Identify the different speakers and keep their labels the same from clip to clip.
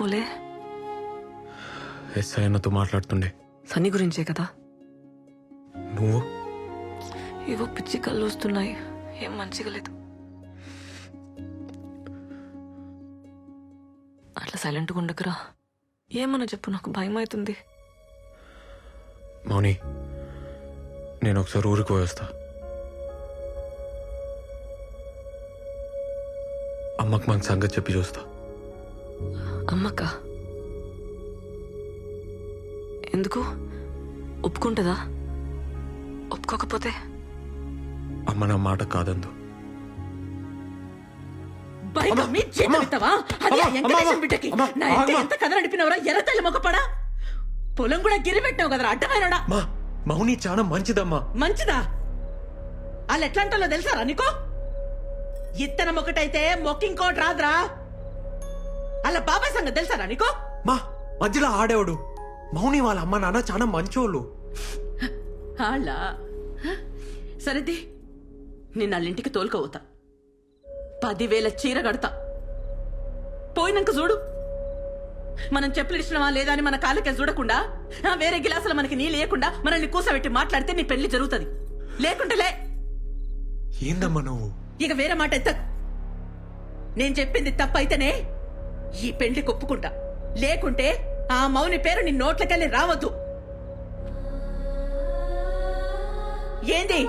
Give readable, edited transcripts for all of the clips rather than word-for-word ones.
Speaker 1: చేస్తున్నావులే?
Speaker 2: SI అన్నతో మాట్లాడుతుండే.
Speaker 1: సన్నీ గురించే కదా?
Speaker 2: నువ్వు?
Speaker 1: ఏవో పిచ్చి కళ్ళు వస్తున్నాయి, ఏం మంచిగా లేదు. అట్లా సైలెంట్గా ఉండకురా. ఏమన్నా చెప్పు, నాకు భయం అవుతుంది.
Speaker 2: మౌని, నేను ఒకసారి ఊరికి పోయేస్తా. అమ్మకు మన సంగతి చెప్పి చూస్తా.
Speaker 1: అమ్మక్క ఎందుకు? ఒప్పుకుంటుందా? ఒప్పుకోకపోతే?
Speaker 2: అమ్మ నా మాట కాదందు.
Speaker 3: పొలం కూడా గిరి పెట్టావు కదరా అడ్డమైనడా.
Speaker 2: మౌని చాలా మంచిదమ్మా.
Speaker 3: మంచిదా? వాళ్ళు ఎట్లా అంటాలో తెలుసారా నీకో? ఇత్తనం ఒకటైతే మొక్కింకోటి రాదురా. అలా బాబాయ్ సంగతి తెలుసారా నీకో?
Speaker 2: మా మధ్యలో ఆడేవాడు. మౌని వాళ్ళ అమ్మ నాన్న చాలా మంచోళ్ళు.
Speaker 3: అలా సరేది, నేను వాళ్ళింటికి తోలుకోవుతా. 10,000 చీర కడతా. పోయినాక చూడు. మనం చెప్పులు ఇచ్చినవా లేదా అని మన కాళ్ళకే చూడకుండా, వేరే గిలాసులు మనకి నీ లేకుండా మనల్ని కూసబెట్టి మాట్లాడితే నీ పెళ్లి జరుగుతుంది. లేకుంటే లే.
Speaker 2: ఏందమ్మా నువ్వు?
Speaker 3: ఇక వేరే మాట ఎత్త. నేను చెప్పింది తప్పైతేనే ఈ పెళ్లి కొప్పుకుంటా. లేకుంటే ఆ మౌని పేరు నీ నోట్లకెళ్ళి రావద్దు. ఏంది?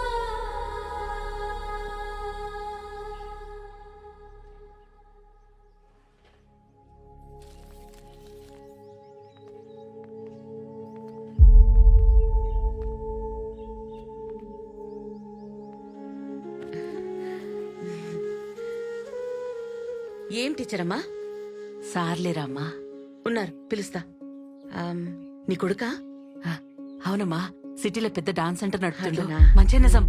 Speaker 3: ఏం టీచర్ అమ్మా?
Speaker 4: సార్లేరమ్మా.
Speaker 3: ఉన్నారు, పిలుస్తా. నీ కొడుకా?
Speaker 4: అవునమ్మా, సిటీలో పెద్ద డాన్స్ సెంటర్ నడుపుతుండు.
Speaker 3: అట్లనా?
Speaker 4: మంచి నిజం.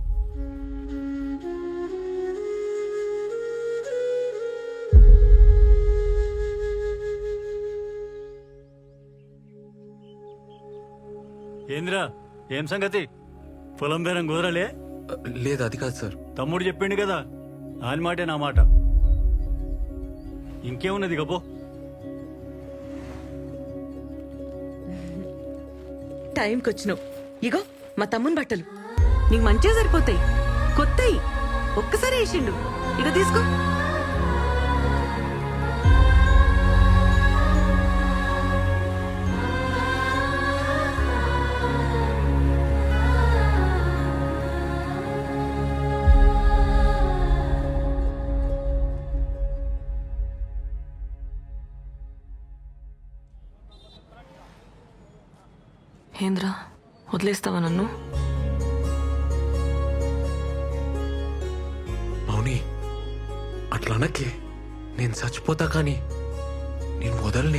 Speaker 5: ఏంద్రా, ఏం సంగతి? పొలం బేరం కుదరలే?
Speaker 2: లేదు, అది కాదు సార్.
Speaker 5: తమ్ముడు చెప్పిండు కదా, ఆయన మాటే నా మాట. ఇంకేమున్నది గబో.
Speaker 3: టైంకి వచ్చినావు. ఇగో మా తమ్ముని బట్టలు.
Speaker 4: నీకు మంచిగా సరిపోతాయి, కొత్తయి. ఒక్కసారి వేసిండు. ఇక తీసుకో.
Speaker 1: ఏంద్రా, వదిలేస్తావా నన్ను?
Speaker 2: మౌని, అట్లా అనకే. నేను చచ్చిపోతా కానీ నేను వదలనే.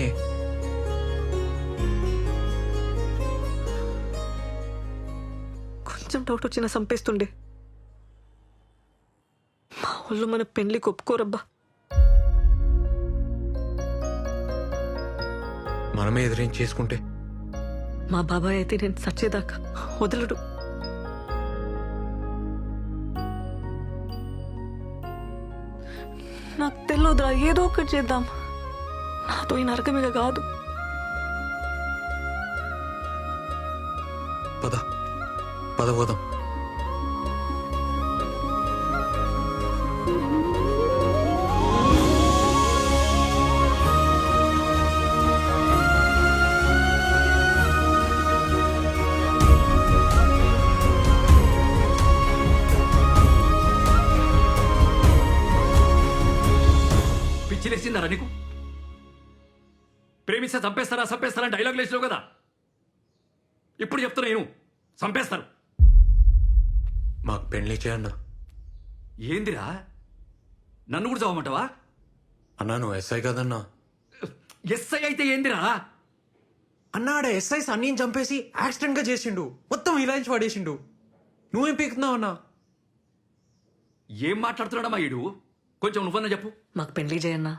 Speaker 1: కొంచెం డౌట్ వచ్చినా చంపేస్తుండే. మా వాళ్ళు మన పెళ్లికి ఒప్పుకోరబ్బా.
Speaker 2: మనమే ఎదురేం చేసుకుంటే?
Speaker 1: మా బాబాయ్ అయితే నేను చచ్చేదాకా వదలడు. నాకు తెలియదురా, ఏదో ఒకటి చేద్దాం. నాతో ఈ నరకమిగ కాదు.
Speaker 2: పద పద పోదాం.
Speaker 6: పిచ్చిలేసిందరా నీకు? ప్రేమిస్తే చంపేస్తారా డైలాగ్ లేచినావు కదా. ఇప్పుడు చెప్తున్నా నేను, చంపేస్తారు.
Speaker 2: మాకు పెళ్లి చేయన్నా.
Speaker 6: ఏందిరా, నన్ను కూడా చదవమంటావా?
Speaker 2: అన్నా, నువ్వు ఎస్ఐ కదన్నా.
Speaker 6: ఎస్ఐ అయితే ఏందిరా?
Speaker 2: అన్నాడ ఎస్ఐ సన్నీని చంపేసి యాక్సిడెంట్ గా చేసిండు. మొత్తం ఇలాంటి పడేసిండు. నువ్వేం పీకుతున్నావు అన్నా?
Speaker 6: ఏం మాట్లాడుతున్నాడమ్మా ఈడు? కొంచెం నువ్వన్నా చెప్పు.
Speaker 1: మాకు పెళ్లి చేయన్నా.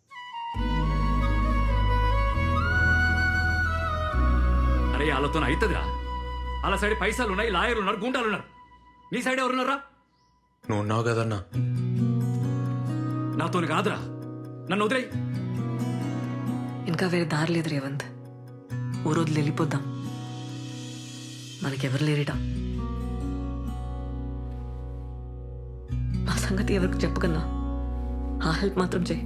Speaker 6: అరే వాళ్ళతో అవుతుందిరా. వాళ్ళ సైడ్ పైసలు ఉన్నాయి, లాయర్లు ఉన్నారు, గుండాలు ఉన్నారు. నీ సైడ్ ఎవరున్నారా?
Speaker 2: నువ్వు ఉన్నావు కదన్నా.
Speaker 6: నాతోని కాదురా, నన్ను వదిలేయి.
Speaker 1: ఇంకా వేరే దారి లేదు రేవంత్. ఓ రోజులు వెళ్ళిపోద్దాం. మనకెవరు లేరిట. మా సంగతి ఎవరికి చెప్పకన్నా ఆ హెల్ప్ మాత్రం చేయి.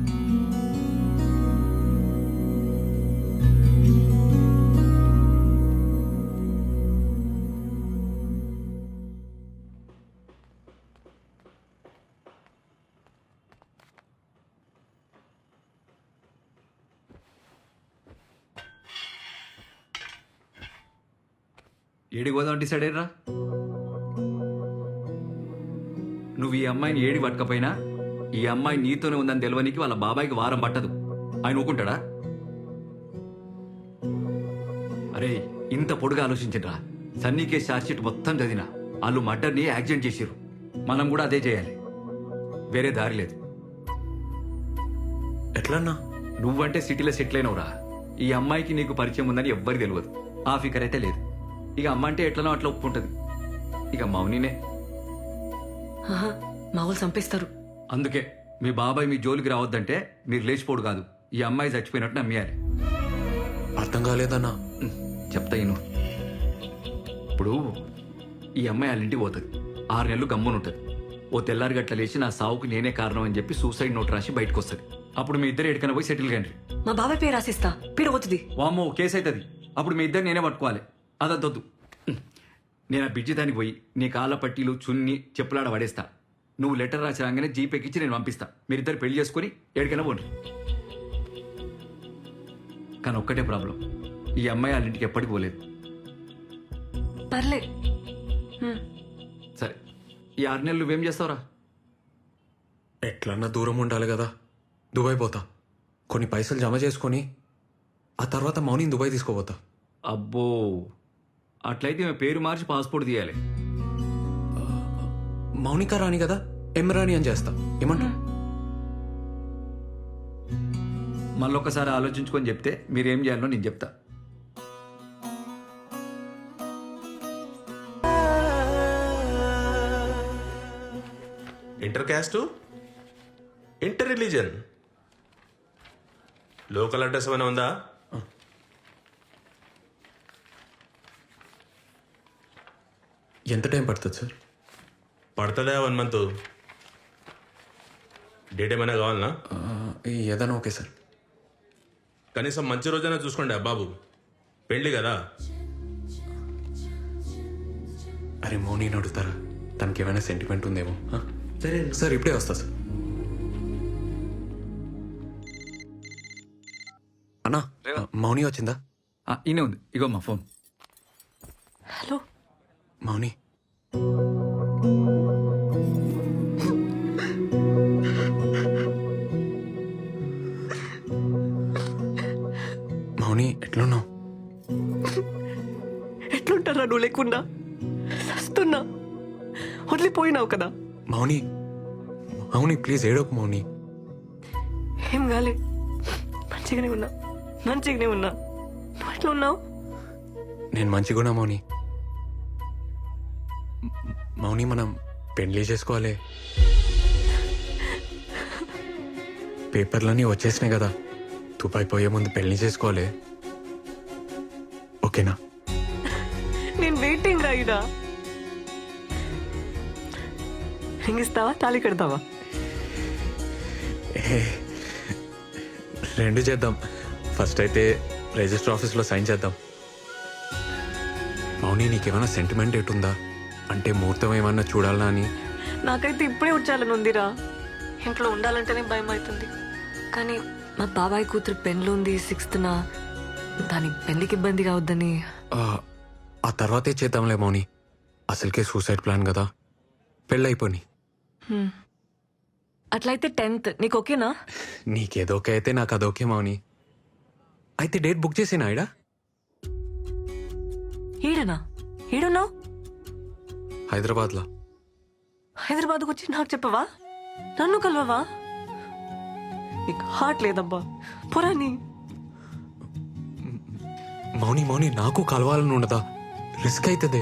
Speaker 6: ఏడికి పోదాం డిసైడ్ అయ్యరా? నువ్వు ఈ అమ్మాయిని ఏడి పట్టకపోయినా ఈ అమ్మాయి నీతోనే ఉందని తెలియనికి వాళ్ళ బాబాయికి వారం పట్టదు. ఆయన ఊకుంటాడా? అరే ఇంత పొడుగా ఆలోచించరా. సన్నీ కేసు ఛార్జ్షీట్ మొత్తం చదివినా వాళ్ళు మర్డర్ని యాక్సిడెంట్ చేసిర్రు. మనం కూడా అదే చేయాలి. వేరే దారి లేదు.
Speaker 2: ఎట్లన్నా?
Speaker 6: నువ్వంటే సిటీలో సెటిల్ అయినవురా. ఈ అమ్మాయికి నీకు పరిచయం ఉందని ఎవ్వరికి తెలియదు. ఆ ఫికర్ అయితే లేదు. ఇక అమ్మ అంటే ఎట్లనో అట్లా ఒప్పుకుంటది. ఇక మౌనినే.
Speaker 1: ఆహా, మా వాళ్ళు చంపేస్తారు.
Speaker 6: అందుకే మీ బాబాయ్ మీ జోలికి రావద్దంటే మీరు లేచిపోడు కాదు, ఈ అమ్మాయి చచ్చిపోయినట్టు నమ్మేయాలి.
Speaker 2: అర్థం కాలేదన్నా.
Speaker 6: చెప్తా ఇను. ఇప్పుడు ఈ అమ్మాయి వాళ్ళ ఇంటికి పోతుంది. 6 నెలలు గమ్మునుంటుంది. ఓ తెల్లారి గట్ల లేచి నా సావుకు నేనే కారణం అని చెప్పి సూసైడ్ నోట్ రాసి బయటకు వస్తుంది. అప్పుడు మీ ఇద్దరు ఎక్కడికైనా పోయి సెటిల్ కండి.
Speaker 1: మా బాబాయ్ పేరు రాసిస్తా. పీడ పోతుంది.
Speaker 6: వామ్మో కేసు అవుతుంది. అప్పుడు మీ ఇద్దరు నేనే పట్టుకోవాలి. అదొద్దు. నేను ఆ బిడ్జి దానికి పోయి నీ కాళ్ళ పట్టీలు చున్ని చెప్పులాడ పడేస్తా. నువ్వు లెటర్ రాసి రాగానే జీపేకిచ్చి నేను పంపిస్తా. మీరిద్దరు పెళ్లి చేసుకుని ఎక్కడికైనా పోండి. కానీ ఒక్కటే ప్రాబ్లం, ఈ అమ్మాయి వాళ్ళ ఇంటికి ఎప్పటికి పోలేదు.
Speaker 1: పర్లే.
Speaker 6: సరే ఈ 6 నెలలు నువ్వేం చేస్తావురా?
Speaker 2: ఎట్లన్నా దూరం ఉండాలి కదా. దుబాయ్ పోతా. కొన్ని పైసలు జమ చేసుకొని ఆ తర్వాత మౌనిని దుబాయ్ తీసుకోపోతా.
Speaker 6: అబ్బో, అట్లయితే మేము పేరు మార్చి పాస్పోర్ట్ తీయాలి.
Speaker 2: మౌనిక రాణి కదా, ఎం రాణి అని చేస్తా. ఏమంటా?
Speaker 6: మళ్ళొక్కసారి ఆలోచించుకొని చెప్తే మీరేం చేయాలో నేను చెప్తా.
Speaker 7: Inter caste, inter religion, local address ఏమైనా ఉందా?
Speaker 2: ఎంత టైం పడుతుంది సార్?
Speaker 7: పడుతుందా 1 మంత్? డేట్ ఏమైనా కావాలనా?
Speaker 2: ఏదైనా ఓకే సార్.
Speaker 7: కనీసం మంచి రోజైనా చూసుకోండి బాబు, పెళ్ళి కదా.
Speaker 2: అరే మౌనిని అడుగుతారా? తనకి ఏమైనా సెంటిమెంట్ ఉందేమో. సరే సార్, ఇప్పుడే వస్తా సార్. అన్నా, మౌని వచ్చిందా?
Speaker 6: ఈయనే ఉంది. ఇగో మా ఫోన్.
Speaker 1: హలో
Speaker 2: మౌని, మౌని ఎట్లున్నావు?
Speaker 1: ఎట్లుంటారా నువ్వు లేకుండా? సస్తున్నా. వదిలిపోయినావు కదా.
Speaker 2: మౌని, మౌని ప్లీజ్ ఏడోకు మౌని.
Speaker 1: ఏం కాలే, మంచిగానే ఉన్నా. నువ్వు ఎట్లా ఉన్నావు?
Speaker 2: నేను మంచిగున్నా మౌని. మౌని మనం పెళ్లి చేసుకోవాలి. పేపర్లన్నీ వచ్చేసినాయి కదా. దుబాయ్ పోయే ముందు పెళ్లి చేసుకోవాలి. ఓకేనా?
Speaker 1: నేను వెయిటింగ్ రాయిడా. రింగ్ ఇస్తావా, తాళి కడతావా?
Speaker 2: రెండు చేద్దాం. ఫస్ట్ అయితే రిజిస్టర్ ఆఫీస్లో సైన్ చేద్దాం. మౌని, నీకేమైనా సెంటిమెంట్ ఎటుందా? అంటే ముహూర్తం ఏమన్నా చూడాలనా అని.
Speaker 1: నాకైతే ఇప్పుడే వచ్చాలని ఉందిరా. ఇంట్లో ఉండాలంటేనే భయం అవుతుంది. కానీ మా బాబాయ్ కూతురు పెళ్ళి ఉంది 6th. దాని పెళ్లికి ఇబ్బంది కావద్దని.
Speaker 2: ఆ తర్వాతే చేద్దాంలే మౌని. అసలుకే సూసైడ్ ప్లాన్ కదా. పెళ్ళైపోని.
Speaker 1: అట్లయితే 10th నీకు ఓకేనా?
Speaker 2: నీకేదోకే అయితే నాకు అదోకే మౌని. అయితే డేట్ బుక్ చేసేనా ఈడ?
Speaker 1: ఈడనా? ఈడున్నావు?
Speaker 2: హైదరాబాద్లో.
Speaker 1: హైదరాబాద్కు వచ్చి నాకు చెప్పవా? నన్ను కలవవా? నీకు హార్ట్ లేదబ్బా. పురాణి
Speaker 2: మౌని, మౌని నాకు కలవాలని ఉండదా? రిస్క్ అవుతుంది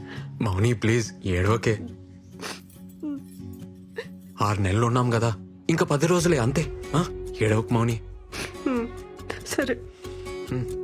Speaker 2: మౌని. ప్లీజ్ ఏడోకే. 6 నెలలు ఉన్నాం కదా, ఇంకా 10 రోజులే అంతే. ఏడవకు మౌని.
Speaker 1: సరే
Speaker 2: హ్మ్.